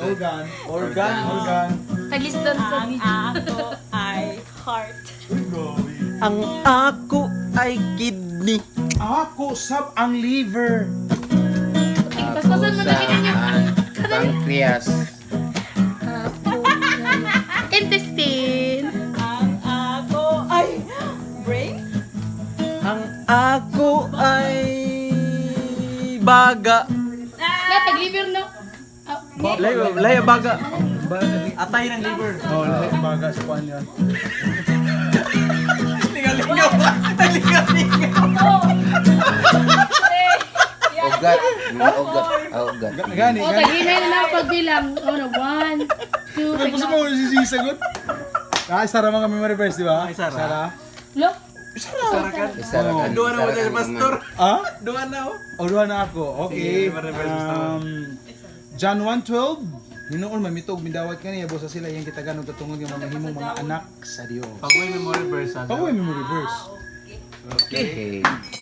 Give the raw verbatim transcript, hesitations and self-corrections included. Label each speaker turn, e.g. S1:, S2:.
S1: Organ. Organ. Organ.
S2: Taglisdan sa
S3: Ang ako ay heart.
S4: Ang ako ay kidney.
S1: Ako sab ang liver.
S2: Paspasan mo na ninyo.
S5: Pancreas.
S2: Intestine.
S3: Ang ako ay brain.
S4: Ang ako ay baga.
S2: Na, tag-liver no. Ah,
S4: Layo, layo baga. Atay ng liver.
S1: Oh, lahat baga sa kuan yan.
S4: Lingaw-lingaw. Lingaw-lingaw.
S5: Ugat. Mga ugat. Ah, ugat.
S1: Gani,
S2: oh,
S1: gani.
S2: tag-hinay na lang pagbilang. Oh, no. One, two,
S1: Ano gusto mo sisisagot? Ah, Sara mga memory verse, di ba?
S4: Ay, Sara.
S1: Sara.
S2: Look.
S4: Sarakan.
S5: Isarakan.
S4: Doon na mo
S5: isarakan
S4: sa pastor.
S1: Ah?
S4: Doon na oh.
S1: O, duha na ako. Okay.
S4: Sige, memory verse, gusto mo.
S1: Um, John one twelve. Hinoon mamitog mindawat kaniya bosa sila yang kita ganog katungod nga mamahimong mga anak sa Dios.
S4: Pag-uwi memory verse.
S1: Pag-uwi memory verse.
S5: Okay.